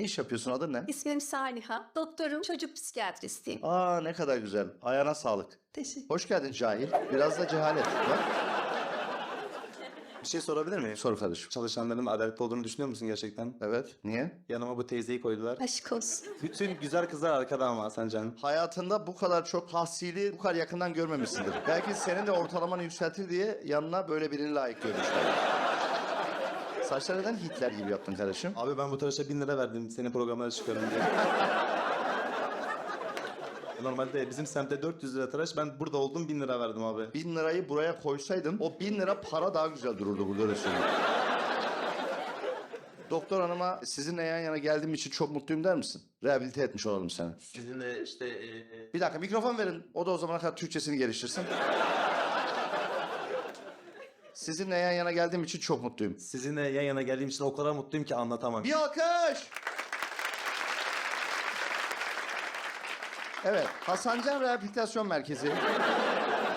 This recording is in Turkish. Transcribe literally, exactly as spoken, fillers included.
iş yapıyorsun? Adın ne? İsmim Saliha. Doktorum, çocuk psikiyatristiyim. Aa ne kadar güzel. Ayağına sağlık. Teşekkür. Hoş geldin cahil. Biraz da cehalet. Bak. Bir şey sorabilir miyim? Sor kardeşim. Çalışanların adaletli olduğunu düşünüyor musun gerçekten? Evet. Niye? Yanıma bu teyzeyi koydular. Aşk olsun. Bütün güzel kızlar arkada ama Hasan Can. Hayatında bu kadar çok tahsili bu kadar yakından görmemişsindir. Belki senin de ortalamanı yükseltir diye yanına böyle birini layık görmüşler. Saçları neden Hitler gibi yaptın kardeşim? Abi ben bu tıraşa bin lira verdim senin programlara çıkıyorum diye. Normalde bizim semtte dört yüz lira tıraş, ben burada oldum bin lira verdim abi. Bin lirayı buraya koysaydın o bin lira para daha güzel dururdu burada, öyle söyleyeyim. Doktor hanıma sizinle yan yana geldiğim için çok mutluyum der misin? Rehabilite etmiş olalım seni. Sizinle işte... E, Bir dakika mikrofon verin. O da o zamana kadar Türkçesini geliştirsin. Sizinle yan yana geldiğim için çok mutluyum. sizinle yan yana geldiğim için o kadar mutluyum ki anlatamam. Bir alkış! Evet, Hasan Can Rehabilitasyon Merkezi.